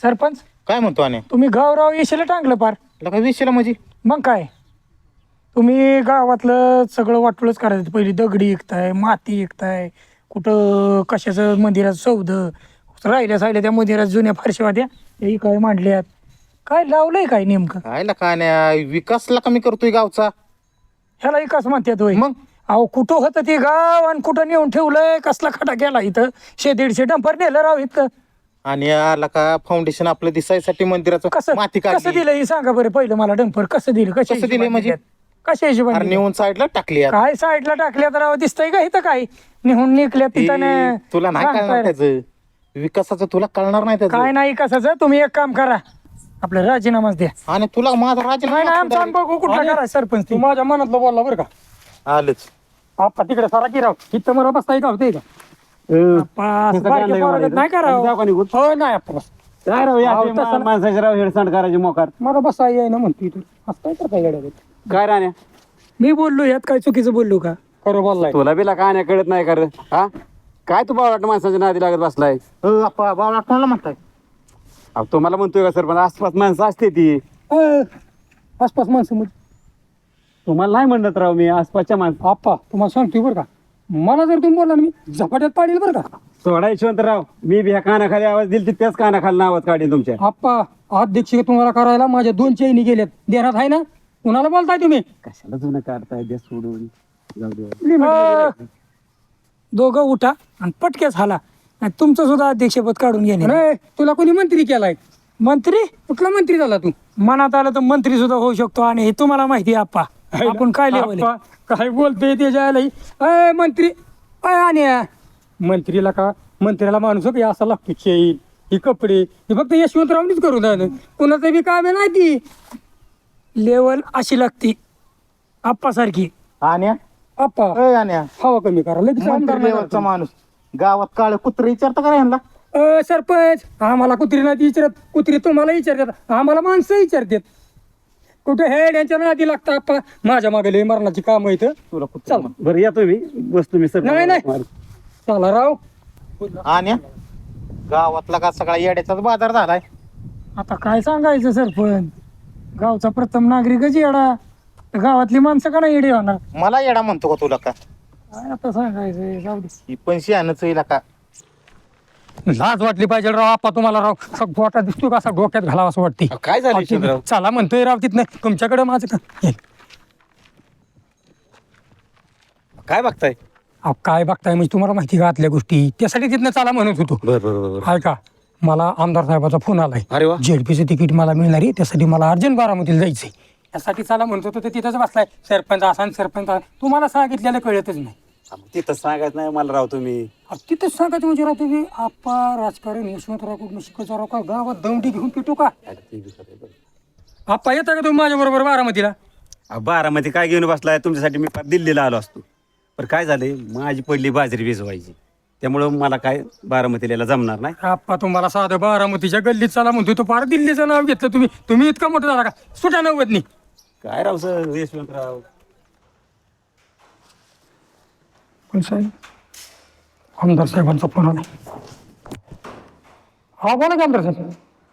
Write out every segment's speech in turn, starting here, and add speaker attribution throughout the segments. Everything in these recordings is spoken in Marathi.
Speaker 1: सरपंच
Speaker 2: काय म्हणतो आणि
Speaker 1: तुम्ही गावराव येशील टांगलं पार.
Speaker 2: काय विषयला म्हणजे
Speaker 1: मग काय तुम्ही गावातलं सगळं वाटोळच करायचं. पहिली दगडी विकताय, माती विकताय, कुठं कशाचं मंदिराचं सौद राहिल्या साहिल्या त्या मंदिरात जुन्या फारशा होत्या त्याही काय मांडल्यात. काय लावलंय काय नेमकं?
Speaker 2: कायला काय नाही विकासला कमी करतोय गावचा.
Speaker 1: ह्याला विकास म्हणतात होय.
Speaker 2: मग?
Speaker 1: अहो कुठं होतं ते गाव आणि कुठं नेऊन ठेवलंय? कसला खडा गेला इथं? 100-150 डंपर नेलं राव इथं.
Speaker 2: आणि आला का फाउंडेशन आपलं दिसायसाठी मंदिराचं
Speaker 1: कसं
Speaker 2: माती
Speaker 1: कसं
Speaker 2: काढली.
Speaker 1: दिलं हे सांगा बरं पहिलं मला. डंपर कसं दिलं?
Speaker 2: कसं दिलंय म्हणजे?
Speaker 1: कशा
Speaker 2: अरे
Speaker 1: हिशोबाने
Speaker 2: नेऊन साईडला टाकली यार.
Speaker 1: काय साईडला टाकल्या तर राव दिसतंय का इथं? काय निघून निघल्या तिथं
Speaker 2: ए, तुला नाही कळणार त्याचं विकासाचं, तुला कळणार नाही
Speaker 1: काय
Speaker 2: त्याचं.
Speaker 1: नाही कसाचं. तुम्ही एक काम करा, आपलं राजीनामाच द्या.
Speaker 2: आणि तुला माझा
Speaker 1: नाही नाही आमचं आम्ही बघू कुठला करा सरपंच.
Speaker 3: तू माझ्या मनातलं बोलला बरं का.
Speaker 2: आलंच.
Speaker 3: आपा तिकडे सारा की राव इथं मला बसता का होते का
Speaker 1: पाच बारक्या पोरागत नाही करावं. हो नाही आप्पा.
Speaker 3: काय राव
Speaker 1: अहो, तसं
Speaker 3: माणसाची राव हेडसांड करायची मोकार.
Speaker 1: मला बसा येई ना म्हणतो इथं. असं काय करता येड्यागत?
Speaker 3: काय राण्या
Speaker 1: मी बोललो यात काय चुकीचं बोललो का?
Speaker 3: खरं बोललाय तुला बिला काय कळत नाही कर हा. काय तू बावळाट माणसाच्या नादी लागत बसलाय.
Speaker 2: अप्पा बाबा कोणाला म्हणताय?
Speaker 3: अहो तुम्हाला म्हणतोय का सर पण आसपास माणसं असते ती.
Speaker 1: आसपास माणसं म्हणजे
Speaker 3: तुम्हाला नाही म्हणत राव मी आसपासच्या माणसं.
Speaker 1: आप्पा तुम्हाला सांगतोय बरं का, मला जर तुम्ही बोलला ना मी झपाट्यात पाडील बरं का.
Speaker 3: सोडा यशवंतराव, मी बी ह्या कानाखाली आवाज दिली त्याच कानाखाली आवाज काढेन तुमच्या.
Speaker 1: आप्पा अध्यक्ष तुम्हाला करायला माझ्या 2 चैनी गेल्यात. देण्यात आहे ना? कुणाला बोलताय तुम्ही?
Speaker 3: कशाला जुनं काढताय द्या सोडून जाऊ दे.
Speaker 1: दोघं उठा आणि पटक्याच हाला. आणि तुमचं सुद्धा अध्यक्षपद काढून घेणे. तुला कोणी मंत्री केलाय? मंत्री? कुठला मंत्री झाला तू? मनात आलं तर मंत्री सुद्धा होऊ शकतो. आणि हे तुम्हाला माहिती आहे आप्पा, आपण काय लेवल काय बोलतोय त्याच्या मंत्री. आणि मंत्रीला का मंत्र्याला माणूस का असा लागतो चैन ही कपडे हे फक्त यशवंतरावनीच करू द्या. कुणाचं बी काम नाही ती लेवल अशी लागती आप्पासारखी.
Speaker 2: आण्या
Speaker 1: आप्पा
Speaker 2: आण्या
Speaker 1: हवा कमी करा लगेच आमदार नाही
Speaker 2: लेवलचा माणूस गावात काळ कुत्र विचारता का ह्यांना?
Speaker 1: सरपंच आम्हाला कुत्री नाही विचारत. कुत्री तुम्हाला विचारतात, आम्हाला माणसं विचारतात. कुठे हेड यांच्या नादी लागतं आप्पा. माझ्या मागे लय मरणाची काम इथं.
Speaker 2: तुला
Speaker 1: चल
Speaker 3: बरं या तुम्ही बसतो मी सर.
Speaker 1: नाही नाही चला राव.
Speaker 2: आण्या गावातला का सगळा येड्याचाच बाजार झालाय.
Speaker 1: आता काय सांगायचं सरपंच, गावचा प्रथम नागरिकच येडा. गावातली माणसं का नाही येडी होणार?
Speaker 2: मला येडा म्हणतो का तुला का?
Speaker 1: काय आता सांगायचं, जाऊ दे.
Speaker 2: ही पण शहाणच येईल का?
Speaker 1: लाज वाटली पाहिजे राव आप्पा तुम्हाला राव. गोटा दिसतो का असा डोक्यात घालावा असं वाटते.
Speaker 2: काय झालं यशवंतराव?
Speaker 1: चला म्हणतोय राव तिथनं तुमच्याकडे माझं का हे.
Speaker 2: काय बघताय?
Speaker 1: अहो, काय बघताय म्हणजे तुम्हाला माहिती का आतल्या गोष्टी, त्यासाठी तिथनं चला म्हणत होतो.
Speaker 2: बरोबर.
Speaker 1: हाय का, मला आमदार साहेबाचा फोन आलाय.
Speaker 2: अरे वा.
Speaker 1: जेडपीचं तिकीट मला मिळणार आहे, त्यासाठी मला अर्जंट बारामतीला जायचंय. त्यासाठी चला म्हणत होतो, तर तिथंच बसलाय सरपंच असा आणि सरपंच असा. तुम्हाला सांगितलेलं कळतच नाही.
Speaker 3: तिथं सांगायचं नाही मला राव तुम्ही.
Speaker 1: अहो, तिथंच सांगायचं म्हणजे राव तुम्ही आप्पा राजकारण यशवंतराव कुठून शिकायचं राव का गावात दौंडी घेऊन पिटू का? आप्पा येता का तुम्ही माझ्या बरोबर बारामतीला?
Speaker 3: बारामध्ये काय घेऊन बसलाय तुमच्यासाठी मी दिल्लीला आलो असतो. पण काय झाले माझी पहिली बाजरी भिजवायची त्यामुळं मला काय बारामतीला यायला जमणार नाही.
Speaker 1: आप्पा तुम्हाला साधं बारामतीच्या गल्लीत चला म्हणतोय, तो पार दिल्लीचं नाव घेतलं तुम्ही. तुम्ही इतका मोठं झाला का? सुटा नव्वदनी
Speaker 3: काय राव सर यशवंतराव.
Speaker 1: पण साहेब आमदार साहेबांचा फोन आला. हा बोला की आमदार साहेब.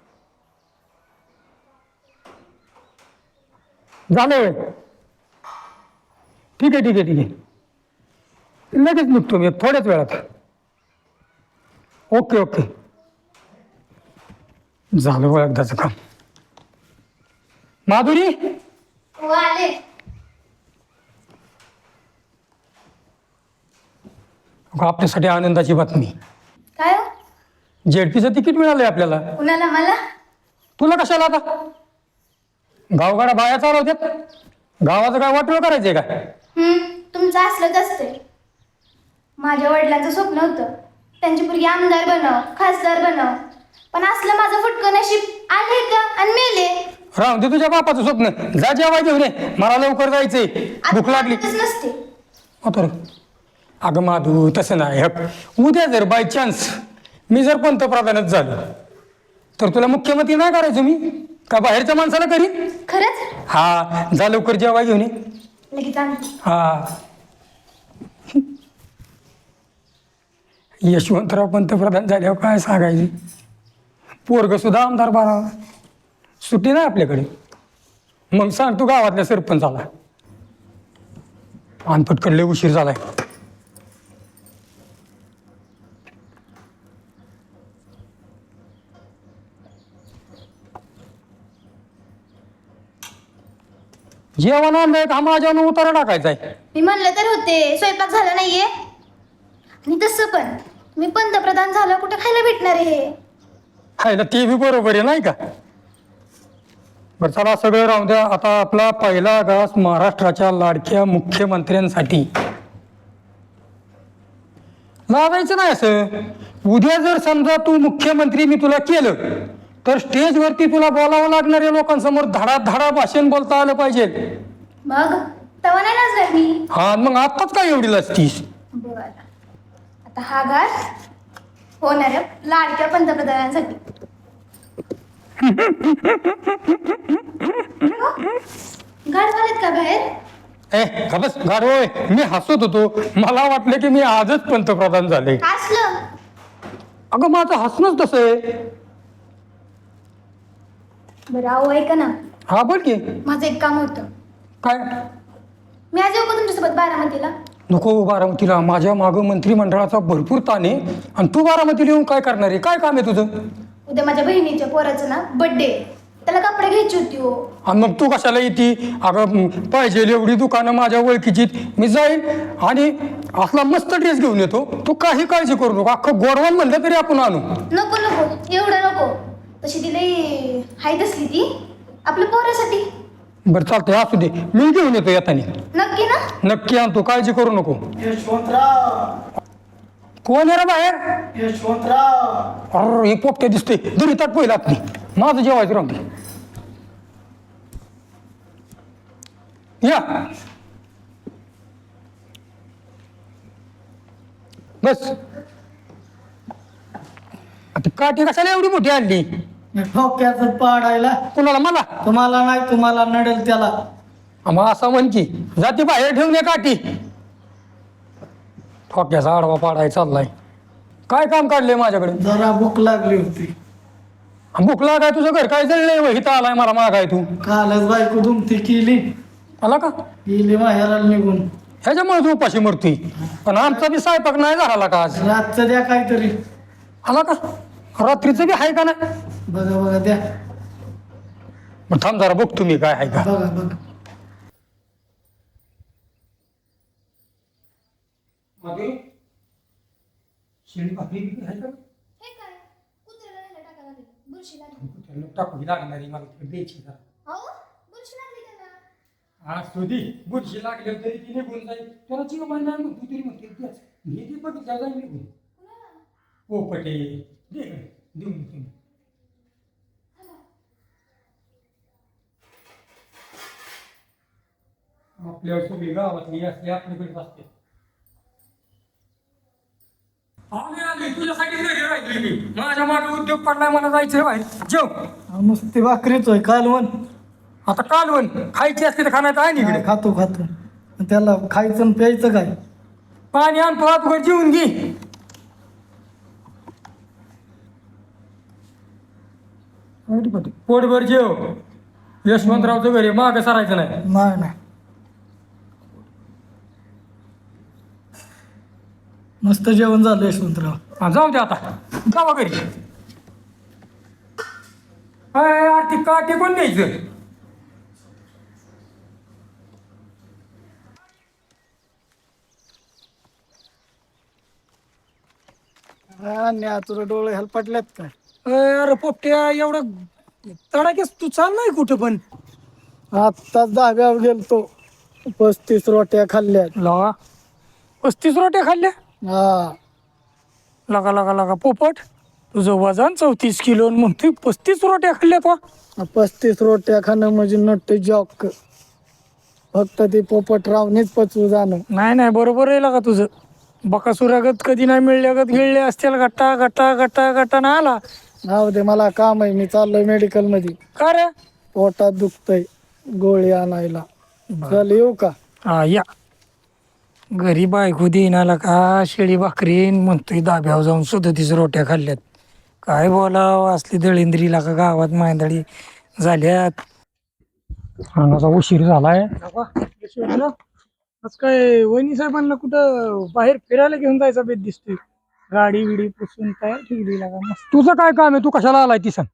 Speaker 1: झालं ठीक आहे ठीक आहे ठीक आहे. लगेच निघतो मी थोड्याच वेळात. ओके ओके झालं एकदाचं काम. माधुरी
Speaker 4: आले.
Speaker 1: आपल्यासाठी आनंदाची बातमी.
Speaker 4: काय हो?
Speaker 1: जेडपीचं तिकीट मिळालंय आपल्याला.
Speaker 4: कुणाला? मला?
Speaker 1: तुला कशाला आता? गावगाडा बाया चालवतात, गावाचं काय वाटलं करायचंय का?
Speaker 4: तुमचं असलंच असते. माझ्या वडिलांचं स्वप्न होतं त्यांची मुलगी आमदार बनाव, खासदार बनाव. पण असलं माझं फुटकं नशीब आले का आणि मेले.
Speaker 1: राहून दे तुझ्या बापाचं स्वप्न. जा जेवाय घेऊन ये, मला लवकर जायचंय, भूक लागली.
Speaker 4: नसते.
Speaker 1: तर अगं माधू तसं नाही. उद्या जर बाय चान्स मी जर पंतप्रधानच झालो तर तुला मुख्यमंत्री नाही करायचो मी का बाहेरच्या माणसाला करीन?
Speaker 4: खरंच?
Speaker 1: हा जा लवकर जेवाय घेऊन ये.
Speaker 4: लगेच आणते.
Speaker 1: हा यशवंतराव पंतप्रधान झाल्यावर काय सांगायचे. पोरग सुद्धा आमदार बना, सुट्टी नाही आपल्याकडे. मग सांग तू गावातल्या सरपंचाला. आणि पटकन लय उशीर झालाय. जेवण आणलंय का माझ्यानं उतारा टाकायचाय.
Speaker 4: मी म्हणलं तर होते स्वयंपाक झाला नाहीये. आणि तसं पण मी पंतप्रधान झालं कुठे खायला भेटणार आहे हे.
Speaker 1: खायला ते बी बरोबर आहे नाही का. बरं चला सगळं राहून द्या. आता आपला पहिला घास महाराष्ट्राच्या लाडक्या मुख्यमंत्र्यांसाठी लावायचं नाही. असं उद्या जर समजा तू मुख्यमंत्री मी तुला केलं तर स्टेजवरती तुला बोलावं लागणाऱ्या लोकांसमोर धडा भाषण बोलता आलं पाहिजे.
Speaker 4: मग तेव्हा नाही नाचणार मी.
Speaker 1: हा मग आताच काय एवढी लसतीस.
Speaker 4: बरं आता हा घास होणाऱ्या लाडक्या पंतप्रधानांसाठी. गाड घालत का बाहेर.
Speaker 1: खबस गाडोय मी हसत होतो. मला वाटलं की मी आजच पंतप्रधान झाले.
Speaker 4: हसलं.
Speaker 1: अगं माझं हसणंच तसं आहे.
Speaker 4: बरं अहो ऐका ना,
Speaker 1: हा बोल की.
Speaker 4: माझं एक काम होतं.
Speaker 1: काय.
Speaker 4: मी आज येऊ का तुमच्यासोबत बारामतीला.
Speaker 1: नको बारामतीला. माझ्या मागं मंत्रिमंडळाचा भरपूर ताण आहे आणि तू बारामतीला येऊन काय करणार आहे. काय काम आहे तुझं.
Speaker 4: उद्या माझ्या बहिणीच्या पोराचं ना बर्थडे, त्याला कपडे घ्यायची होती हो.
Speaker 1: आणि मग तू कशाला येते. अगं पाहिजे एवढी दुकानं माझ्या ओळखीची. मी जाईल आणि असला मस्त ड्रेस घेऊन येतो. तू काही काळजी करू नको. अख्खं गोडवान म्हणलं तरी आपण आणू.
Speaker 4: नको नको एवढं नको. तशी तिला हाय असली ती आपल्या पोरासाठी.
Speaker 1: बरं चालतंय असू दे. मी घेऊन येतो येताना.
Speaker 4: नक्की ना.
Speaker 1: नक्की आणतो. काळजी करू नको.
Speaker 5: यशवंतराव,
Speaker 1: कोण आहे रे बाहेर.
Speaker 5: यशवंतराव,
Speaker 1: अरे हे पोपटे दिसते. दरी ताट पहिला आपली. माझं जेवायचं राहते. या बस. आता काठी कशाला एवढी मोठी आणली.
Speaker 5: ठोक्याचं पाडायला.
Speaker 1: कुणाला. मला.
Speaker 5: तुम्हाला नाही, तुम्हाला नडेल त्याला.
Speaker 1: मग असं म्हण की जाती बाहेर ठेवून ये काठी. ठोक्याचा आडवा पाडाय चाललाय. काय काम काढलंय माझ्याकडे.
Speaker 5: जरा भूक लागली होती.
Speaker 1: भूक लागाय. तुझं घर काय जळलंय इथं आलाय मला मागाय तू.
Speaker 5: कालच बायको दुमती केली,
Speaker 1: आला का.
Speaker 5: गेली माहेराला निघून.
Speaker 1: ह्याच्यामुळे तू उपाशी मरतोय. पण आमचा बी स्वयंपाक नाही झाला का आज.
Speaker 5: रातचं द्या काहीतरी.
Speaker 1: आला का. रात्रीचं बी आहे का नाही.
Speaker 5: बघा बघा द्या.
Speaker 1: मग थांब जरा बघ तुम्ही काय आहे का.
Speaker 5: बघा बघा.
Speaker 1: शेळी भाकरी आहे का.
Speaker 4: हे काय कुत्र्याला न्यायला टाकायला लागलं. बुरशी लागली.
Speaker 1: टाकू लागणारी मला द्यायची जरा.
Speaker 4: अहो बुरशी लागली त्याला.
Speaker 1: आज तुझी बुरशी लागली तरी ती निघून जाईल. त्याला जीव मानणार मग तू तरी म्हणते हे ती बघ जाईल निघून. पोपटे दे इकडे. देऊन दे तुम्ही. आपल्या सगळी गावातली असली आपल्याकडे असते. तुझ्यासाठी घरी राहिली मी. माझ्या मागे उद्योग पडलाय. मला जायचं बाहेर. जेव.
Speaker 5: नुसती भाकरीच होय कालवण.
Speaker 1: आता कालवण खायची असते तर खाण्यात आहे इकडे.
Speaker 5: काय खातो खातो. त्याला खायचं आणि प्यायचं काय.
Speaker 1: पाणी आणतो हात जेवून घे. पोटभर जेव. यशवंतरावचं घरी मागं सरायचं नाही.
Speaker 5: नाही नाही. मस्त जेवण झालं यशवंतराव.
Speaker 1: हा, जाऊ दे आता. जावा घरी. ती काठी कोण द्यायचं.
Speaker 5: तुला डोळे हलपटल्यात काय.
Speaker 1: अरे पोपट्या एवढं तडाखेस तू चाललाय कुठं पण.
Speaker 5: आत्ताच धाब्यावर गेलतो. 35 रोट्या खाल्ल्यात.
Speaker 1: लगा 35 रोट्या खाल्ल्या.
Speaker 5: हा
Speaker 1: लगा लगा लगा पोपट. तुझं वजन 34 किलो मग तू 35 रोट्या खाल्ल्या तो.
Speaker 5: 35 रोट्या खाणं म्हणजे नट्ट जॉक. फक्त ते पोपटरावनेच पचवू जाणं.
Speaker 1: नाही नाही बरोबर आहे लगा तुझं. बकासुरागत कधी नाही मिळल्यागत गिळले असतील. गट्टा गट्टा गट्टा गट्टा ना आला.
Speaker 5: नाव दे मला काम आहे. मी चाललोय मेडिकल मध्ये.
Speaker 1: का रे.
Speaker 5: पोटात दुखतय गोळी आणायला. चल येऊ का.
Speaker 1: हा या. घरी बायको देईनाला का शेळी भाकरी म्हणतोय धाब्यावर जाऊन 37 रोट्या खाल्ल्यात. काय बोलावं असली दळिंद्रीला का गावात मांदळी झाल्यात. अन्नाचा उशीर झालाय. आज काय वहिनी साहेबांना कुठं बाहेर फिरायला घेऊन जायचा बेत दिसतोय. गाडी बिडी पुसून तयार ठेवली लागा मस्त. तुझं काय काम आहे, तू कशाला आलाय ती सांग.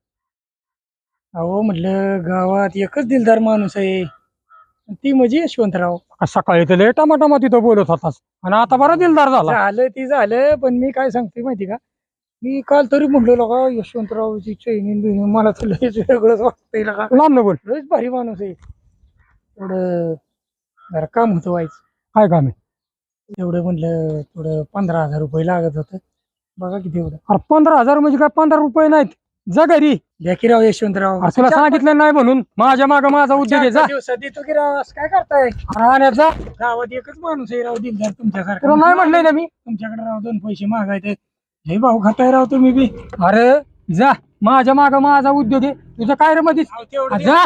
Speaker 1: अहो म्हटलं गावात एकच दिलदार माणूस आहे, ती म्हणजे यशवंतराव. सकाळी तर लय टमाटमा तिथं बोलत होतास आणि आता बरा दिलदार झालं ती झालं. पण मी काय सांगते माहिती का, मी काल तरी म्हटलं का यशवंतरावची चैनीन बिनीन मला तर लयच वेगळंच वाटतंय का. लांब न बोल, लयच भारी माणूस आहे. थोडं जरा काम होतं व्हायचं. काय काम आहे? एवढं म्हटलं थोडं 15,000 रुपये लागत होतं. बघा किती एवढं. अरे 15,000 म्हणजे काय 15 रुपये नाहीत. जा घरी द्या की राव यशवंतराव. तुला सांगितलं नाही म्हणून माझ्या माग माझा उद्योग आहे. दिवसात देतो की राव, असं काय करताय. राहण्याचा गावात एकच माणूस आहे राव दिलदार तुमच्यासारखा. नाही म्हणलंय ना मी तुमच्याकडे राव 2 पैसे मागायचे. हे भाऊ खाताय राव तुम्ही बी. अरे जा, माझ्या माग माझा उद्योग आहे. तुझं काय रे मध्येच जा.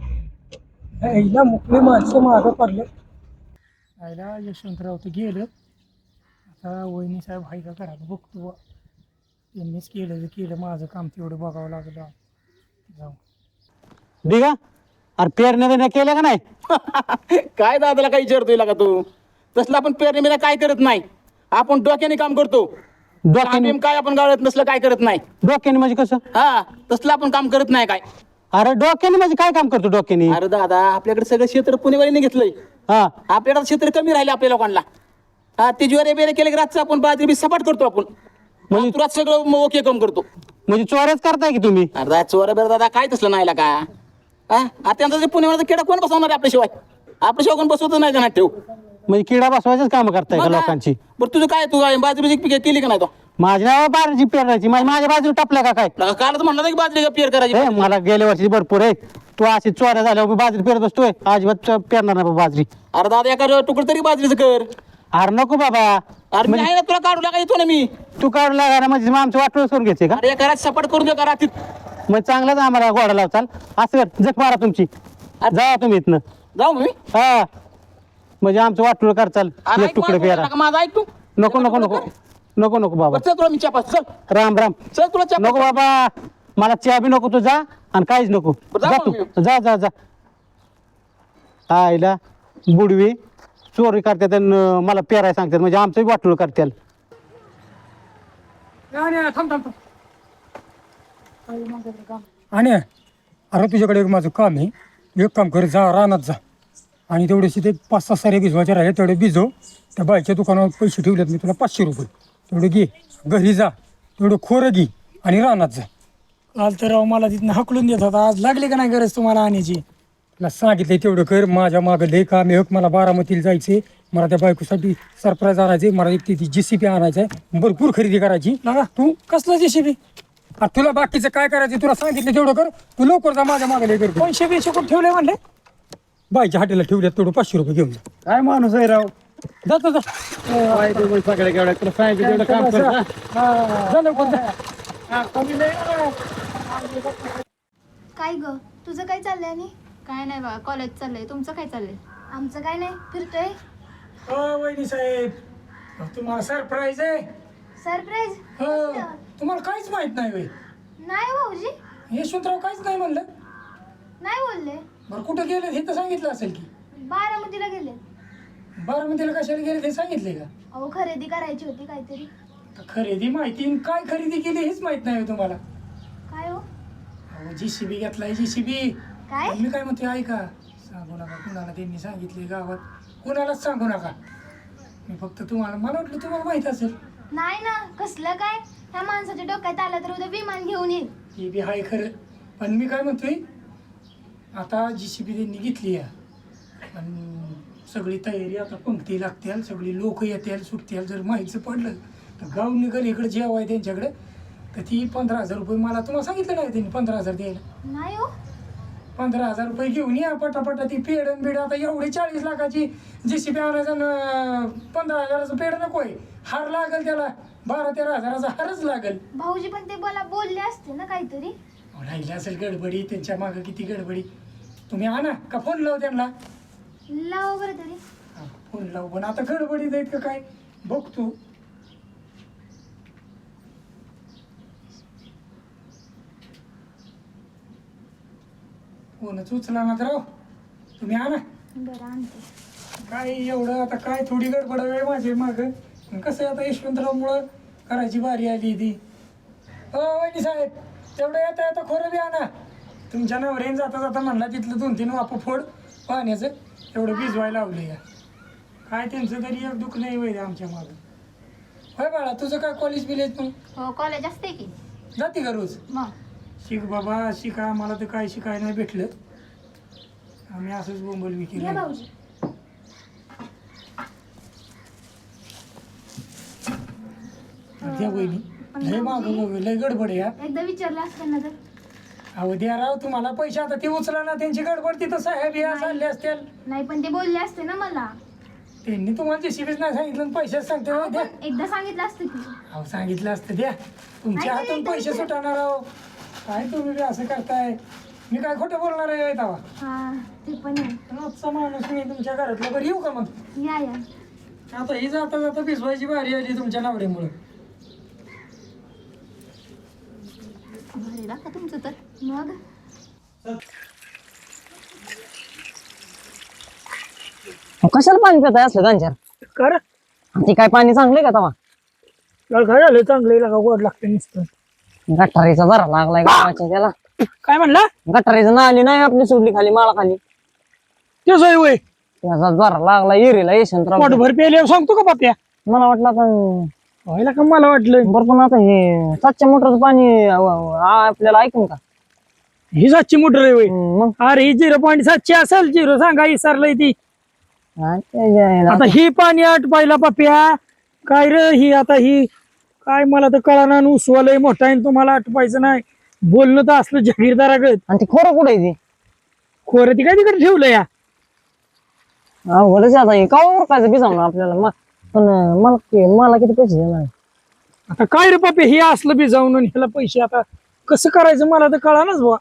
Speaker 1: आईला मुकले माणसं मागं पडले. आईला यशवंतराव तर गेलं. आता वहिनी साहेब हाय का घरात बघतो. त्यांनीच केलं माझं काम तेवढं बघावं लागलं. जाऊ
Speaker 2: दिगा, अरे पेरण्या केल्या का नाही?
Speaker 6: काय दादाला काही विचारतोय का तू? तसलं आपण पेरणी काय करत नाही, आपण डोक्याने काम करतो.
Speaker 2: डोक्याने
Speaker 6: काय आपण गाळत नसलं काय करत नाही.
Speaker 2: डोक्याने म्हणजे कसं?
Speaker 6: हा, तसलं आपण काम करत नाही काय.
Speaker 2: अरे डोक्याने म्हणजे काय काम करतो डोक्याने?
Speaker 6: अरे दादा, आपल्याकडे सगळं क्षेत्र पुणेवालीने घेतलंय.
Speaker 2: हा,
Speaker 6: आपल्याकडे क्षेत्र कमी राहिले आपल्या लोकांना. हा, ते ज्वारे बेरे केले की रातचं आपण बाजरी बी सपाट करतो आपण. म्हणजे तुरात सगळं ओके काम करतो.
Speaker 2: म्हणजे चोऱ्याच करताय की तुम्ही?
Speaker 6: अरे चोरा बेर दादा काय तसलं नाही का. हा, त्यांचा जे पुणेवाला खेडा कोण बसवणार आहे आपल्याशिवाय? आपल्याशिवाय कोण बसवत नाही का ठेव.
Speaker 2: म्हणजे किडा बसवायचंच काम करताय का लोकांची?
Speaker 6: बरं तुझं काय, तू बाजरी केली का नाही तो?
Speaker 2: माझ्या नावा बाजरी पेरायची, माझ्या बाजूला टापल्या का काय?
Speaker 6: कालच म्हणलं की बाजरी पेर करायची.
Speaker 2: ए, मला गेल्या वर्षी भरपूर आहे. तू अशी चोऱ्या झाल्यावर बाजरी पेरत असतोय, अजिबात पेरणार नाही बाजरी.
Speaker 6: अरे दादा, एका तुकडं तरी बाजरीचं कर.
Speaker 2: अरे नको बाबा.
Speaker 6: अरे मी आहे ना, तुला काढू लागा येतो ना मी.
Speaker 2: तू काढू लागायला म्हणजे मग आमचं वाटोळ करून घ्यायचे का?
Speaker 6: अरे एका रात सपाट करून दे का रात्री.
Speaker 2: मग चांगलाच आम्हाला घोडा लावचाल. असं कर, जख मारा तुमची. जा तुम्ही इथनं.
Speaker 6: जाऊ मी.
Speaker 2: हा, म्हणजे आमचं वाटोळ करचाल.
Speaker 6: अरे
Speaker 2: एक तुकडे पेरा.
Speaker 6: माझा ऐक तू.
Speaker 2: नको नको नको नको नको बाबा.
Speaker 6: चल तुला मी चपास. चल
Speaker 2: राम राम.
Speaker 6: चल तुला चपास.
Speaker 2: नको बाबा, मला चहा बी नको. तू जा आणि काहीच नको.
Speaker 6: जा
Speaker 2: जा
Speaker 6: मग
Speaker 2: तू, जा जा जा. आईला बुडवी चोरी करतात आणि मला पेराय सांगतात, म्हणजे आमचं वाटोळ करतात.
Speaker 1: आणि अरे तुझ्याकडे एक माझं काम आहे. एक काम कर, जा रानात जा आणि तेवढेसे ते 5-6 सारे भिजवायचे राहिले तेवढे भिजव. त्या बाईच्या दुकानावर पैसे ठेवलेत मी तुला 500 रुपये. तेवढे घे, घरी जा, तेवढं खोरं घे आणि रानात जा. काल तर राव मला तिथनं हकलून देत होता. आज लागली का नाही गरज तुम्हाला आणायची? तुला सांगितलं तेवढं कर. माझ्या मागं लय काम आहे. मला बारामतीला जायचे, मला त्या बायकोसाठी सरप्राईज आणायचे. मला एक ती JCB आणायचं आहे, भरपूर खरेदी करायची. ना तू कसलं JCB? तुला बाकीचं काय करायचं तुला सांगितलं तेवढं कर. तू लवकर जा, माझ्या मागे लय कर. 500 कोण ठेवले म्हणले? बाईच्या हाटेला ठेवल्यात, तेवढं 500 रुपये घेऊन जा.
Speaker 2: काय माणूस आहे राव.
Speaker 1: जातो जा.
Speaker 2: सगळे केवढ्या तुला सांगितलं तेवढं काम कर.
Speaker 1: जा लवकर जा.
Speaker 4: काय ग, तुझं काय चाललंय? आणि
Speaker 7: काय नाही बा, कॉलेज चाललंय. तुमचं काय चाललंय?
Speaker 4: आमचं काय नाही, फिरतोय.
Speaker 1: हो वहिनी साहेब, तुम्हाला सरप्राईज आहे.
Speaker 4: सरप्राईज?
Speaker 1: हो, तुम्हाला काहीच माहित नाही होय.
Speaker 4: नाही भाऊजी,
Speaker 1: यशवंतराव काहीच नाही म्हणलं.
Speaker 4: नाही बोलले.
Speaker 1: बरं कुठं गेले हे तर सांगितलं असेल की.
Speaker 4: बारामतीला गेले.
Speaker 1: बारामतीला कशाला गेले ते सांगितले का?
Speaker 4: अहो खरेदी करायची होती काहीतरी.
Speaker 1: खरेदी माहिती आणि काय खरेदी केली हेच माहित नाही तुम्हाला.
Speaker 4: काय हो?
Speaker 1: अहो JCB घेतलाय JCB.
Speaker 4: काय?
Speaker 1: मी काय म्हणते ऐका, सांगू नका कुणाला. त्यांनी सांगितले गावात, कुणालाच सांगू नका. मी फक्त तुम्हाला, मला वाटलं तुम्हाला माहित असेल.
Speaker 4: नाही ना, कसलं काय? ह्या माणसाच्या डोक्यात आलं तर उद्या विमान घेऊन येईल.
Speaker 1: ते बी हाय खरं, पण मी काय म्हणतोय, आता JCB त्यांनी घेतली आहे पण सगळी तयारी, आता पंक्ती लागतील, सगळी लोक येतील, सुटतील. जर माहितीचं पडलं तर गाव निघाल इकडे जेव्हा आहे त्यांच्याकडे, तर ती 15,000 रुपये मला तुम्हाला सांगितलं नाही त्यांनी 15,000 द्यायला.
Speaker 4: नाही हो.
Speaker 1: 15,000 रुपये घेऊन या पटापटा. ती पेड बिड आता एवढी 40 लाखाची JCB आणायचं, 15,000चं पेड नको आहे. हार लागेल त्याला, 12-13 हजाराचा हारच लागेल.
Speaker 4: भाऊजी पण ते मला बोलले असते ना काहीतरी.
Speaker 1: राहिली असेल गडबडी, त्यांच्या मागं किती गडबडी. तुम्ही आणा का फोन लाव त्यांना.
Speaker 4: लावा बरं तरी.
Speaker 1: फोन लावू, पण आता गडबडीत आहेत का काय बघ तू. कोणच उचला ना तर राव तुम्ही आणा.
Speaker 4: बरं आणते.
Speaker 1: काय एवढं आता काय थोडी गडबड आहे माझे मागं. कसं आहे आता यशवंतरावमुळं करायची बारी आली ती. हो वहिनी साहेब तेवढं येता येता खोरं बी आणा. तुमच्या नवऱ्याने जाता जाता म्हणला तिथलं 2-3 वापं फोड पाण्याचं एवढं भिजवायला लावलं या. काय त्यांचं तरी एक दुःख नाही वैद्य आमच्या मागं. होय बाळा तुझं काय कॉलेज बिलेज मग
Speaker 7: हो कॉलेज असते की
Speaker 1: जाते का रोज?
Speaker 7: मग
Speaker 1: शिक बाबा शिका. आम्हाला तर काय शिकायला नाही भेटलं. आम्ही असंच बोंबल
Speaker 4: घ्या
Speaker 1: विकेलं.
Speaker 4: भाऊजी.
Speaker 1: द्या बहिणी लय मागं लय गडबड आहे.
Speaker 4: एकदा विचारलं असतं ना तर.
Speaker 1: अहो द्या राव तुम्हाला पैसे आता ते उचला ना. त्यांची गडबड तिथं साहेब या चालले असतील.
Speaker 4: नाही पण ते बोलले असते ना मला.
Speaker 1: त्यांनी तुम्हाला जेसीबीच नाही सांगितलं आणि पैसेच सांगते हो, द्या.
Speaker 4: पण एकदा सांगितलं असतं की.
Speaker 1: अहो सांगितलं असतं द्या. तुमच्या
Speaker 4: नाही,
Speaker 1: हातून
Speaker 4: नाही,
Speaker 1: पैसे
Speaker 4: नाही.
Speaker 1: सुटणार आहो. काय तुम्ही बी असं करताय. मी काय खोटं बोलणार आहे तेव्हा.
Speaker 4: हा ते पण आहे.
Speaker 1: आजचा माणूस मी तुमच्या घरातला. बरं येऊ का मग?
Speaker 4: या या.
Speaker 1: आता ही जाता जाता भिजवायची बारी आली तुमच्या नवऱ्यामुळे.
Speaker 7: भारी का तुमचं तर.
Speaker 4: मग
Speaker 8: कशाला पाणी पिताय असलं गांजर?
Speaker 1: कर
Speaker 8: ते काय पाणी चांगलंय का तवा?
Speaker 1: काय झालं चांगलं का गोड लागतं नुसतं.
Speaker 8: गटारीचा जरा लागलाय गावाच्या त्याला.
Speaker 1: काय म्हणला?
Speaker 8: गटारीचं नाली नाही आपली सोडली खाली माळा खाली
Speaker 1: ते सोय वय
Speaker 8: त्याचा जरा लागला एरीला यशवंतराव.
Speaker 1: पोटभर प्यायला सांगतो का बाप्या?
Speaker 8: मला वाटलं आता
Speaker 1: व्हायला का मला वाटलं
Speaker 8: बरं पण आता हे 700 मोटरचं पाणी आपल्याला ऐकून का?
Speaker 1: ही 700 मोटर आहे वय.
Speaker 8: मग
Speaker 1: अरे ही 0.700 असेल. 0 सांगा विसरलंय ती.
Speaker 8: हा, ते जे आहे ना.
Speaker 1: आता ही पाणी आटपायला पाप्या काय रे ही. आता ही काय मला तर कळाना. उसवालय मोठा आहे तुम्हाला आटपायचं नाही. बोलणं तर असलं जागीरदारागत.
Speaker 8: आणि ते खोरं कुठे आहे ते?
Speaker 1: खोरं ती काय तिकडे ठेवलं या.
Speaker 8: अवघडच आहे आता हे का ओळखायचं बिजावणं आपल्याला. पण मला किती पैसे देणार?
Speaker 1: आता काय रे पापे हे असलं बी जाऊन आणि ह्याला पैसे आता कसं करायचं मला तर कळानाच बुवा.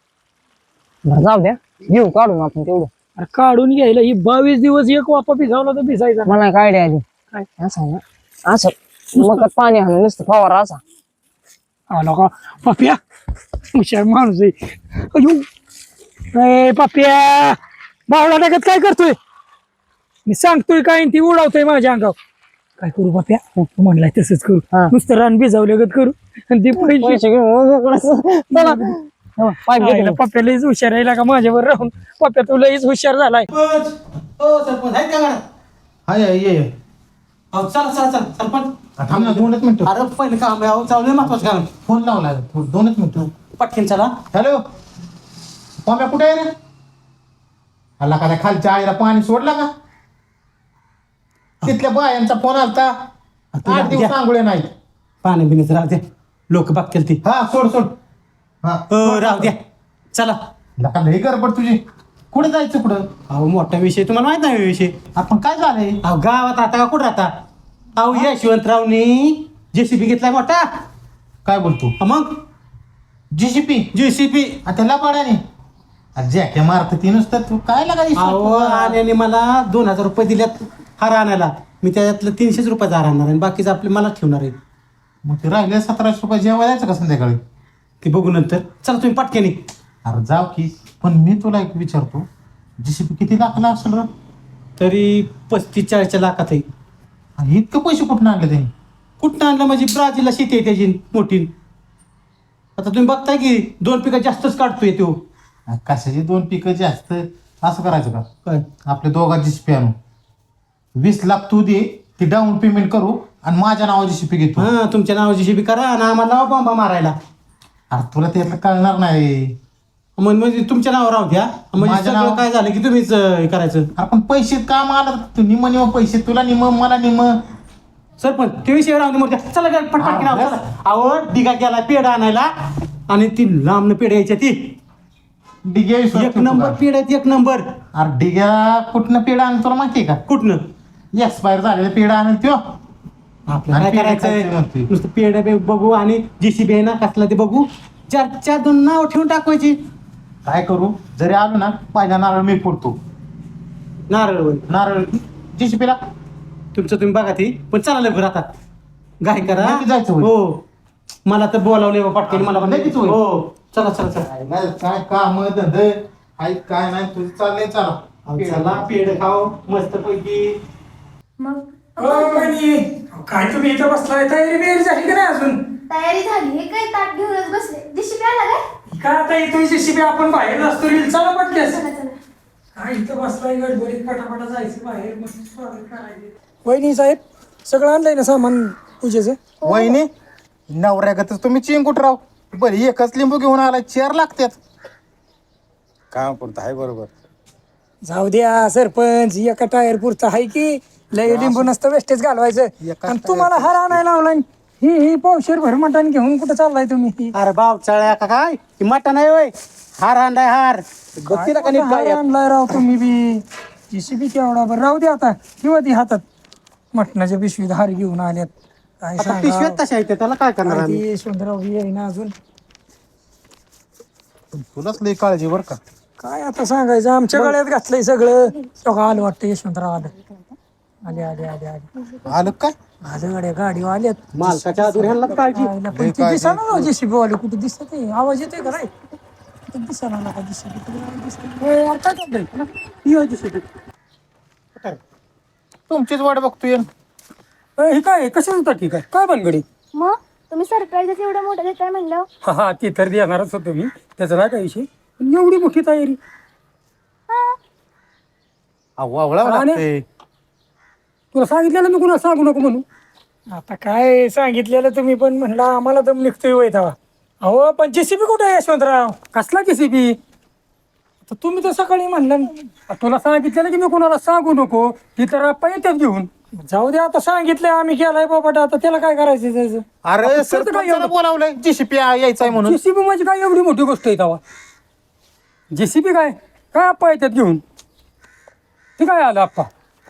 Speaker 8: बरं जाऊ द्या घेऊ काढून आपण तेवढं.
Speaker 1: अरे काढून घ्यायला ही 22 दिवस एक वापा भिजावला तर भिजायचा.
Speaker 8: मला काय आयडिया आली.
Speaker 1: काय?
Speaker 8: असं आहे ना असं मग पाणी आणून नुसतं फवारा असा.
Speaker 1: आला का पाप्या हुशार माणूस आहे. अयो ए पाप्या बावळा टाकत काय करतोय? मी सांगतोय काय आणि ती उडवतोय माझ्या अंगावर. काय करू पाप्या? तू म्हणलाय तसंच करू.
Speaker 8: हा.
Speaker 1: नुसतं रान भिजावल्यागत करू आणि ते पैसे
Speaker 8: पैसे घेऊन मोकळं. चला पाईप घेतो
Speaker 1: आईला
Speaker 8: मी.
Speaker 1: पप्प्या लईच हुशार आहे का माझ्यावर राहून. पप्प्या तू लईच हुशार झालाय.
Speaker 6: सरपंच आहेत का गाड्या?
Speaker 2: हाय ये
Speaker 6: अहो चला चला चला सरपंच.
Speaker 2: थांब ना 2च मिनिटं.
Speaker 6: अरे पहिलं काम आहे. अहो चालू महत्वाचं काम आहे.
Speaker 2: फोन लावला 2च मिनिटं.
Speaker 6: पटकन चला.
Speaker 2: हॅलो पम्या कुठे आहे रे? हल्ला का त्या खालच्या आईला पाणी सोडला का? तिथल्या बायांचा फोन आलता. 8 दिवस सांगुळे नाहीत.
Speaker 6: पाणी बिण्याचं राहू द्या. लोक बघतील ती.
Speaker 2: हा सोड सोड. हा
Speaker 6: राहू द्या. चला.
Speaker 2: लका लई गडबड तुझी. कुठे जायचं कुठं?
Speaker 6: अहो मोठा विषय तुम्हाला माहित नाही विषय.
Speaker 2: आपण काय झालंय?
Speaker 6: अहो गावात राहता का कुठं राहता? अहो यशवंतरावनी जेसीबी घेतलाय मोठा.
Speaker 2: काय बोलतो?
Speaker 6: मग
Speaker 2: जीसीपी
Speaker 6: जेसीबी.
Speaker 2: त्याला पाड्याने जॅके मारत ती नुसतं. तू काय
Speaker 6: अहो
Speaker 2: लागा?
Speaker 6: आल्याने मला 2000 रुपये दिल्यात हार आणायला. मी त्याच्यातलं 300 रुपयाचा हार आणणार आणि बाकीचं आपले मला ठेवणार आहे.
Speaker 2: मग ते राहिले 1700 रुपये जेव्हा जायचं का संध्याकाळी?
Speaker 6: ते बघू नंतर. चला तुम्ही पटकेनी.
Speaker 2: अरे जाऊ की. पण मी तुला एक विचारतो जीसीपी किती लाखाला असेल रे?
Speaker 6: तरी 35-40 लाखात आहे.
Speaker 2: आणि इतके पैसे कुठून आणले त्यांनी?
Speaker 6: कुठं आणलं म्हणजे ब्राझीलला शेती आहे त्याची मोठी. आता तुम्ही बघताय की 2 पिकं जास्तच काढतोय तो.
Speaker 2: कशाची 2 पिकं जास्त? असं करायचं का?
Speaker 6: काय?
Speaker 2: आपल्या दोघा जीसीपी आणू. 20 लाख तू दे. ती डाऊन पेमेंट करू आणि माझ्या नावा जीसीपी घेतो.
Speaker 6: हा तुमच्या नावाची शिबी करा आणि आम्हाला लावा बॉम्बा मारायला.
Speaker 2: अरे तुला त्यातलं कळणार नाही.
Speaker 6: म्हणजे तुमच्या नावावर राहू द्या. म्हणजे
Speaker 2: माझ्या
Speaker 6: सगळं
Speaker 2: नावावर-
Speaker 6: काय झालं की तुम्हीच हे करायचं.
Speaker 2: आपण पैसे काम आलं तू निम निम पैसे तुला निम मला निम.
Speaker 6: सरपंच ते विषय राहून मोठ्या. चला काय पटपट
Speaker 2: हा,
Speaker 6: चला. अहो डिगा गेला पेढा आणायला आणि ती लांबनं पेढ्या यायच्या ती.
Speaker 2: डिग्या
Speaker 6: एक नंबर पेढ आहेत 1 नंबर.
Speaker 2: अरे डिग्या कुठनं पेढा आणून तुला माहितीये का?
Speaker 6: कुठनं?
Speaker 2: एक्सपायर झालेला पेढा आणून त्यो.
Speaker 6: आपल्याला
Speaker 2: आणि
Speaker 6: काय
Speaker 2: पेढे खायचे
Speaker 6: करायचंय?
Speaker 2: म्हणतोय.
Speaker 6: नुसतं पेढ्या बघू आणि जेसीबी आहे ना कसला ते बघू. 4 नाव ठेवून टाकवायची.
Speaker 2: काय करू? जरी आलो ना पहिला नारळ मी फोडतो.
Speaker 6: नारळ
Speaker 2: नारळ जीसीपीला
Speaker 6: तुमचं तुम्ही बघा ती. पण चला लवकर आता. गाय करा.
Speaker 2: लगेच जायचं होय?
Speaker 6: हो मला तर बोलावले पटकन मला पण.
Speaker 2: लगेच होय?
Speaker 6: हो चला चला चला.
Speaker 2: काय काम धंदे हाय काय नाही तुझं चाललंय चालू
Speaker 3: चला पेढ खाऊ मस्त पैकी.
Speaker 4: मग
Speaker 1: काय तुम्ही इथं बसलाय तयारी बियारी झाली का नाही अजून
Speaker 4: तयारी झाली हे काय ताट घेऊनच बसले दिशी आला काय
Speaker 1: काय आता इथं जेसीबी आपण बाहेर असतो रील चला पटकेस
Speaker 4: चला चला
Speaker 1: काय इथं बसलाय गडबडीत पटापटा जायचं बाहेर मस्त स्वागत करायचं. वहिनी साहेब सगळं आणलंय ना सामान पूजेचं
Speaker 2: वहिनी नवऱ्यागतच तुम्ही चिंकुट राव बरं एकच लिंबू घेऊन आला 4 लागतात.
Speaker 3: काम पुरतं आहे बरोबर.
Speaker 1: जाऊ द्या सरपंच एका टायर पुरतं आहे की लय लिंबू नसतं वेस्टेज घालवायचं
Speaker 2: एकाच
Speaker 1: आणि तुम्हाला हार आणायला लावलाय ही पावशेर भर मटण घेऊन कुठं चाललाय तुम्ही
Speaker 6: अरे बाप चळ्या का काय ती मटण आहे होय हार आणलाय हार बघती का नीट
Speaker 1: हार
Speaker 6: काय
Speaker 1: आणलाय राव तुम्ही बी जेसीबी केवढा बरं राहू दे आता किंवा ती हातात मटणाच्या पिशवीत हार घेऊन आल्यात काय
Speaker 6: आता
Speaker 1: सांगा
Speaker 6: पिशव्यात तशा आहेत त्याला काय करणार
Speaker 1: काय
Speaker 6: आम्ही
Speaker 1: ती यशवंतराव बी येईना अजून
Speaker 2: तुलाच लई काळजी बरं का.
Speaker 1: काय आता सांगायचं आमच्या गळ्यात घातलंय सगळं सगळं आलं वाटतं यशवंतराव आलं आले आले आले आले
Speaker 2: आलं काय
Speaker 1: आलं गाड्या गाडी आल्यात
Speaker 6: मालकाच्या आतून ह्यांनाच काळजी
Speaker 1: आईला पण ते दिसाना राव जेसीबी वाले कुठे दिसत आहे आवाज येतोय का नाही कुठे दिसाना नका जेसीबी काय चाललंय
Speaker 2: तुमचीच वाट बघतोय.
Speaker 1: हे काय कशाच ठीक आहे काय बनगडी
Speaker 4: मग तुम्ही सरप्राईजच एवढं मोठं देताय म्हणलं
Speaker 1: हा हा ते तर देणारच होतो मी त्याचा नाही काय विषय पण एवढी मोठी तयारी
Speaker 2: वावळावं
Speaker 1: आणि-
Speaker 2: लागतंय.
Speaker 1: तुला सांगितलेलं मी कुणाला सांगू नको म्हणून आता काय सांगितलेलं तुम्ही पण म्हणला आम्हाला दम निघतोय वय तेव्हा अहो पण जेसीबी कुठे आहे यशवंतराव कसला जेसीबी तुम्ही तर सकाळी म्हणलं तुला सांगितलेलं की मी कुणाला सांगू नको ती तर आप्पा येतात घेऊन जाऊ दे आता सांगितलंय आम्ही केलाय बाबा आता त्याला काय करायचं त्याचं
Speaker 2: अरे सरपंचाला बोलावलंय जीसीपी यायचंय म्हणून.
Speaker 1: जेसीबी म्हणजे काय एवढी मोठी गोष्ट आहे तेव्हा जेसीबी काय काय आप्पा येतात घेऊन ते काय आलं आप्पा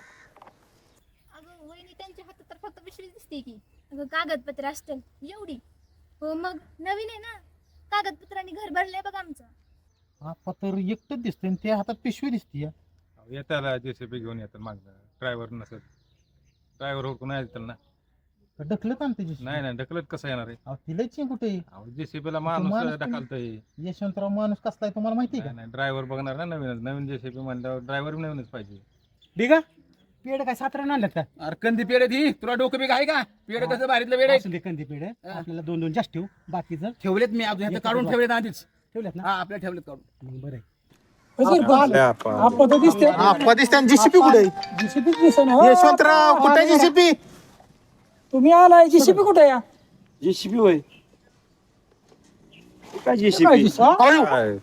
Speaker 7: अगं वहिनी त्यांच्या हातात तर फक्त पिशवी दिसते की. अगं कागदपत्र असतील एवढी. हो मग नवीन आहे ना कागदपत्रांनी घर भरलंय बघ आमचं.
Speaker 2: आपा तर एकटंच दिसतंय आणि त्या हातात पिशवी दिसतीये.
Speaker 9: येताला जेसीबी घेऊन येतात मागणं ड्रायव्हर नसेल ड्रायव्हर हुडकून येतील ना.
Speaker 2: ढकलत आणते जीसीबी.
Speaker 9: नाही नाही ढकलत कसं येणार आहे
Speaker 2: अहो, तिला कुठे
Speaker 9: जेसीबीला माणूस
Speaker 2: माणूस
Speaker 9: ढकलतोय.
Speaker 2: यशवंतराव माणूस कसला आहे तुम्हाला माहिती आहे
Speaker 9: नाही नाही ड्रायव्हर बघणार ना नवीनच नवीन जेसीबी म्हणल्यावर ड्रायव्हर नवीनच पाहिजे.
Speaker 6: ठीक आहे पेड काय 7 आणल्यात का
Speaker 9: अरे कंदी पेढ ती तुला डोकं बी आहे का पेढ कसं बारीतलं वेळ
Speaker 6: असू दे कंदी पेड आपल्याला 2 जास्त ठेवू बाकीचं
Speaker 9: ठेवलेत मी अजून ह्याचं काढून ठेवलेत आधीच.
Speaker 6: ठेवल्यात ना
Speaker 9: हा आपल्या ठेवलेत काढून.
Speaker 6: मग बरं आहे.
Speaker 1: आप्पा तर दिसते
Speaker 2: आपा दिसते जीसीपी कुठे
Speaker 1: जेसीबी दिसेना
Speaker 2: यशवंतराव कुठे जीसीपी.
Speaker 1: तुम्ही आलाय जेसीबी कुठे या
Speaker 3: जेसीबी होय काय
Speaker 1: काय
Speaker 3: जेसीबी
Speaker 1: जेसीबी?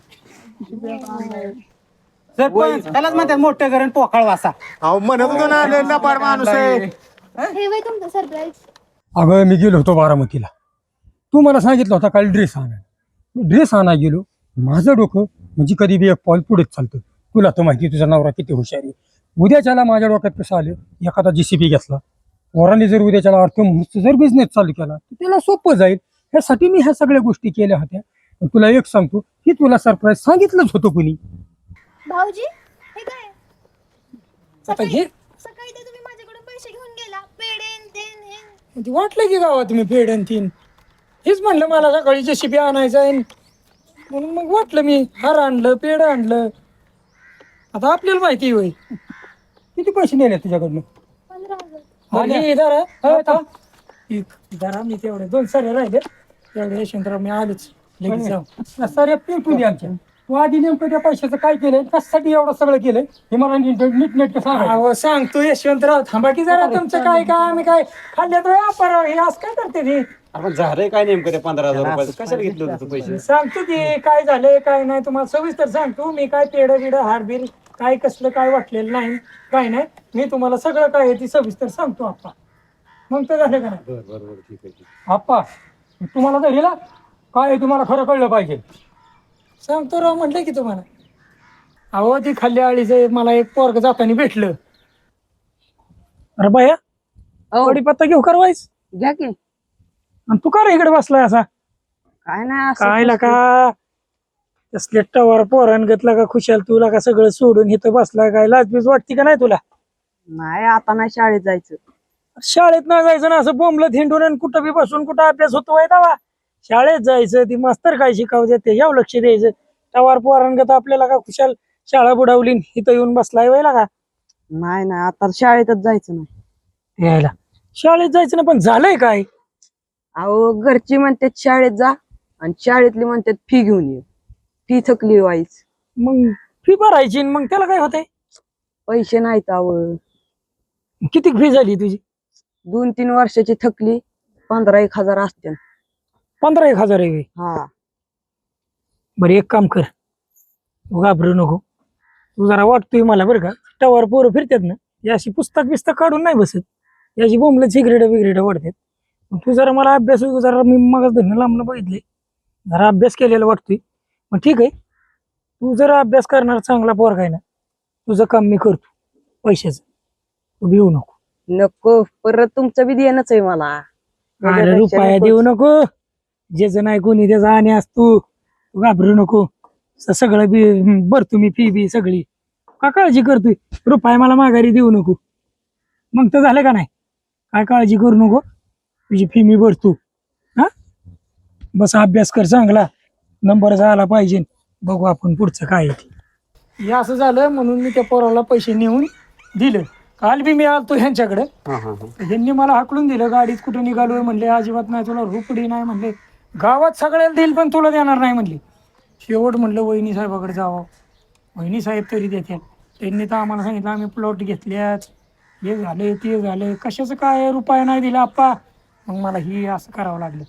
Speaker 6: सरपंच त्यालाच म्हणतात मोठं घरण पोकळ वासा
Speaker 2: अहो म्हणत होतो ना लबाड माणूस आहे.
Speaker 4: हे वय तुमचं सरप्राईज
Speaker 1: अगं मी गेलो होतो बारामतीला तू मला सांगितलं होता काल ड्रेस आणायला ड्रेस आणायला गेलो माझं डोकं म्हणजे कधी बी एक पाऊल पुढेच चालतं तुला तर माहिती तुझा नवरा किती हुशार आहे उद्याच्याला माझ्या डोक्यात कसं आलं एखादा जेसीबी घेतला वराने जर उद्याच्याला अर्थ जर बिझनेस चालू केला तर त्याला सोपं जाईल ह्यासाठी मी ह्या सगळ्या गोष्टी केल्या होत्या पण तुला एक सांगतो की तुला सरप्राईज सांगितलंच होतं कुणी
Speaker 4: भाऊजी हे काय
Speaker 1: आता हे
Speaker 4: सकाळी ते तुम्ही माझ्याकडून पैसे घेऊन गेला पेडेन तेन हे
Speaker 1: ते वाटलं की गावात तुम्ही पेड आणि तीन हेच म्हणलं मला सकाळी जेसीबी आणायचं आहे म्हणून मग वाटलं मी हार आणलं पेड आणलं आता आपल्याला माहिती होईल किती पैसे नेले तुझ्याकडनं
Speaker 4: 15,000
Speaker 1: आणि जरा मी तेवढे 2 सारे राहिले तेवढे यशवंतराव मी आलोच लगेच जाऊ सारे पेटून दे आमच्या तू आधी नेमकं त्या पैशाचं काय केलंय कशासाठी एवढं सगळं केलंय हे मला नीट सांग सांगतो यशवंतराव थांबा की जरा तुमचं काय काय आम्ही काय खाल्ल्यात व्यापार हे असं काय करते ते
Speaker 3: आपण झालंय काय नेमकं त्या 15,000 रुपयाचं कशाला घेतलं होतं तू पैसे
Speaker 1: सांगतो की काय झालंय काय नाही तुम्हाला सविस्तर सांगतो मी काय पेढ बिड हारबीर काय कसलं काय वाटलेलं नाही काय नाही मी तुम्हाला सगळं काय आहे ती सविस्तर सांगतो आप्पा मग तर झालं का नाही
Speaker 3: बरोबर ठीक आहे
Speaker 1: आप्पा तुम्हाला तर हिला काय आहे तुम्हाला खरं कळलं पाहिजे सांगतो राव म्हटलं की तुम्हाला अहो ती खाल्ल्या आळीचं मला एक पोरग जाताना भेटलं अरे बाया पत्ता घेऊ करवायच
Speaker 8: घ्या की
Speaker 1: आणि तू का रे इकडे बसलाय असा
Speaker 8: काय नाही असं
Speaker 1: काय का तसले टवर पोरण घेतला का खुशाल तुला का सगळं सोडून इथं बसला काय लाजबीज वाटते का नाही तुला
Speaker 8: नाही आता नाही शाळेत जायचं
Speaker 1: शाळेत नाही जायचं ना असं बोंबलत हिंडून आणि कुठं बी बसून कुठं अभ्यास होतो दावा शाळेत जायचं ती मास्तर काय शिकावू देते याव लक्ष द्यायचं टवार पोरांगत आपल्याला का खुशाल शाळा बुडावली इथं येऊन बसलाय व्हायला का
Speaker 8: नाही नाही आता शाळेतच जायचं नाही.
Speaker 1: यायला शाळेत जायचं ना, पण झालंय काय?
Speaker 8: अहो घरची म्हणतात शाळेत जा आणि शाळेतली म्हणतात फी घेऊन ये. फी थकली व्हायच,
Speaker 1: मग फी भरायची मग त्याला काय होतंय?
Speaker 8: पैसे नाहीत अहो.
Speaker 1: किती फी झाली तुझी?
Speaker 8: 2-3 वर्षाची थकली 15-1 हजार असते.
Speaker 1: 15-1 हजार आहे.
Speaker 8: हा
Speaker 1: बरं एक काम कर, तू घाबरू नको. तू जरा वाटतोय मला बरं का, टवार पोरं फिरतात ना, याशी पुस्तक काढून नाही बसत, याची बोंबलं सिगरेट वाढतात. तू जरा मला अभ्यास जरा मी मग धरणं लांबणं बघितले, जरा अभ्यास केलेला वाटतोय. मग ठीक आहे, तू जरा अभ्यास करणार चांगला पोरगा आहे ना, तुझं काम मी करतो पैशाचं, तू भिवू नको.
Speaker 8: नको, परत तुमचं बी देणंच आहे मला.
Speaker 1: अरे रुपया देऊ नको, ज्याचं नाही कोणी त्याचा आणि असतो. तू घाबरू नको, सगळं बी भरतो मी, फी बी सगळी. का काळजी करतोय? रुपया मला माघारी देऊ नको. मग तर झालं का नाही? काय काळजी करू नको, तुझी फी मी भरतो. हा बस अभ्यास कर चांगला, नंबर झाला पाहिजे. बघू आपण पुढचं काय आहे ते. हे असं झालं म्हणून मी त्या पोराला पैसे नेऊन दिलं. काल बी मी आलतो ह्यांच्याकडे, ह्यांनी मला हाकलून दिलं. गाडीत कुठं निघालोय म्हणले, अजिबात नाही, तुला रुपडी नाही म्हणले, गावात सगळ्याला देईल पण तुला देणार नाही म्हणले. शेवट म्हणलं वहिनी साहेबाकडे जावं, वहिनी साहेब तरी देतात. त्यांनी तर आम्हाला सांगितलं आम्ही प्लॉट घेतल्यात, हे झाले ते झाले, कशाचं काय रुपया नाही दिला आप्पा. मग मला ही असं करावं लागलं.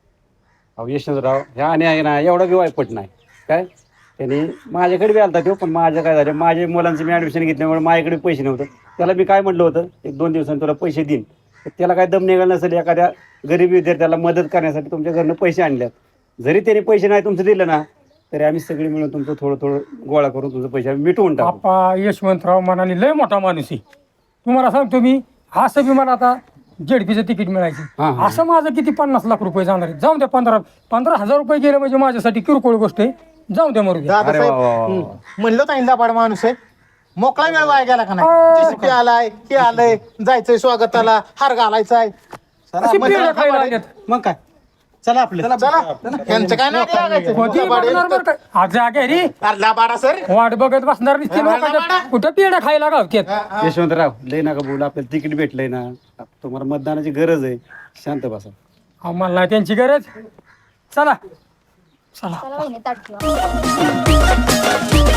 Speaker 3: अहो यशवंतराव, ह्या आणि आहे ना एवढा बी वाईपट नाही काय. त्याने माझ्याकडे बी आलता तो, पण माझं काय झालं, माझ्या मुलांचं मी ॲडमिशन घेतल्यामुळे माझ्याकडे पैसे नव्हतं. त्याला मी काय म्हटलं होतं, 1-2 दिवसांनी तुला पैसे देईन. त्याला काय दम निघालं नसेल, एखाद्या गरीब विद्यार्थ्याला मदत करण्यासाठी तुमच्या घरनं पैसे आणल्यात. जरी त्याने पैसे नाही तुमचं दिलं ना, तरी आम्ही सगळे मिळून तुमचं थोडं गोळा करून तुमचे पैसे आम्ही मिटवून टाकू.
Speaker 1: आप्पा यशवंतराव मनाने लय मोठा माणूस आहे. तुम्हाला सांगतो मी, असं बी मला आता जेडपीचं तिकीट मिळायचं, असं माझं किती 50 लाख रुपये जाणार आहे. जाऊन द्या, 15,000 रुपये गेले म्हणजे माझ्यासाठी किरकोळ गोष्ट आहे. जाऊ द्या मरू द्या.
Speaker 2: दादासाहेब म्हणलं तर इंदापाड माणूस आहे, मोकळा वेळ वाया गेला का नाही? JCP आलाय, हे आलंय, जायचंय स्वागताला, हार घालायचाय.
Speaker 1: अशी पेढं खायला आल्यात.
Speaker 2: मग काय, चला आपलं चला. यांचं काय नाही लागायचं.
Speaker 1: होती बघणार बरं का. आज जागे रे,
Speaker 2: लाबाडा सर,
Speaker 1: वाट बघत बसणार दिसते लोकांच्या. कुठं पेढं खायला गावत्यात.
Speaker 3: यशवंतराव लय नका बोलू, आपल्याला तिकीट भेटलंय ना, तुम्हाला मतदानाची गरज आहे, शांत बसा.
Speaker 1: आम्हाला नाही त्यांची गरज. चला
Speaker 7: चला वहिनी ताट ठेवा.